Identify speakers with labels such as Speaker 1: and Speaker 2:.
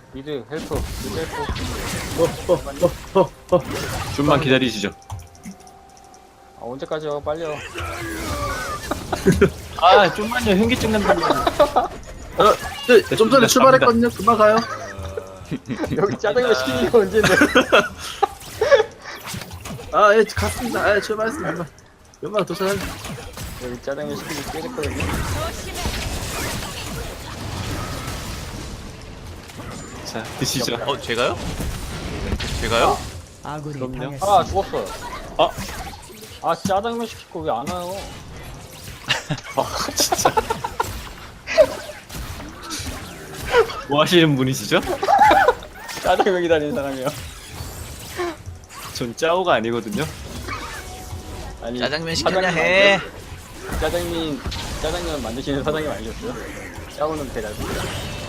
Speaker 1: 미드 헬프 미드 헬프.
Speaker 2: 좀만 기다리시죠.
Speaker 1: 아 언제까지요? 빨리요.
Speaker 2: 아 좀만요. 현기증 난다고.
Speaker 3: 네, 좀 전에 출발했거든요. 금방 가요.
Speaker 1: 여기 짜장면 시키는 게 언제인데?
Speaker 3: 아, 예, 갔습니다. 예, 출발했습니다. 금방 도착할.
Speaker 1: 여기 짜장면 시키는 게 깨졌거든요.
Speaker 2: 자 드시죠.
Speaker 4: 제가요? 제가요?
Speaker 2: 그럼요.
Speaker 1: 아 죽었어요.
Speaker 2: 아.
Speaker 1: 아 짜장면 시킬 거 왜 안 와요?
Speaker 2: 아 진짜. 뭐 하시는 분이시죠?
Speaker 1: 짜장면 기다리는 사람이요.
Speaker 2: 전 짜오가 아니거든요.
Speaker 1: 아니
Speaker 4: 짜장면 시켜야
Speaker 1: 사장님
Speaker 4: 해.
Speaker 1: 짜장면 만드시는 사장님 아니셨어요? 짜오는 배달.